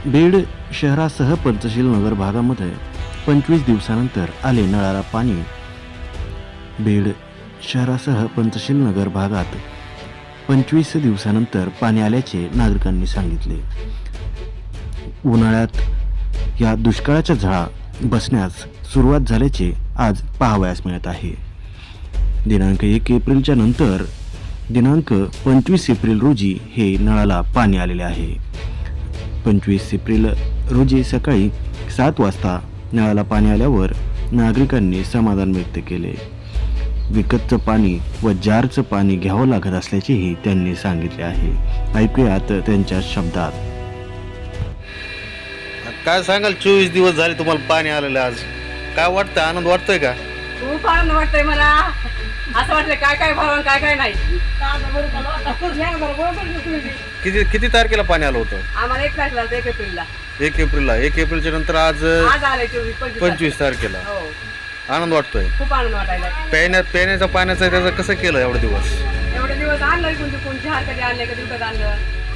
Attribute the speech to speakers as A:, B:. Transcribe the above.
A: बीड शहरासह पंचशील नगर भागामध्ये 25 दिवसानंतर आले नळाला पाणी. बीड शहरासह पंचशील नगर भागात 25 दिवसानंतर पाणी आल्याचे नागरिकांनी सांगितले. उन्हाळ्यात या दुष्काळाच्या झळा बसण्यास सुरुवात झाल्याचे आज पाहावयास मिळत आहे. दिनांक 1 एप्रिलच्या नंतर दिनांक 25 एप्रिल रोजी हे नळाला पाणी आलेले आहे. 25 एप्रिल रोजी सकाळी 7 वाजता नळाला पाणी आल्यावर नागरिकांनी समाधान व्यक्त केले. विकतचं पाणी व जारचं पाणी घ्यावं लागत असल्याचेही त्यांनी सांगितले आहे. ऐकूयात त्यांच्या शब्दात.
B: काय सांगाल, 24 दिवस झाले तुम्हाला पाणी आलेलं, आज काय वाटतं? आनंद वाटतोय का?
C: खूप आनंद वाटतोय मला. असं वाटलं काय काय भाव काय काय नाही.
B: किती किती तारखेला पाणी आलं होतं?
C: आम्हाला 1 तारखेला 1 एप्रिलला
B: 1 एप्रिलला. 1 एप्रिलच्या नंतर आज
C: आज आलंय
B: 25 तारखेला.
C: हो,
B: आनंद वाटतोय.
C: खूप आनंद वाटायला.
B: पिण्याच्या पाण्याचं त्याचं कसं केलं एवढे दिवस?
C: एवढे दिवस आणलं कोणती कोणती हार कधी आणले कधी विकत आणलं.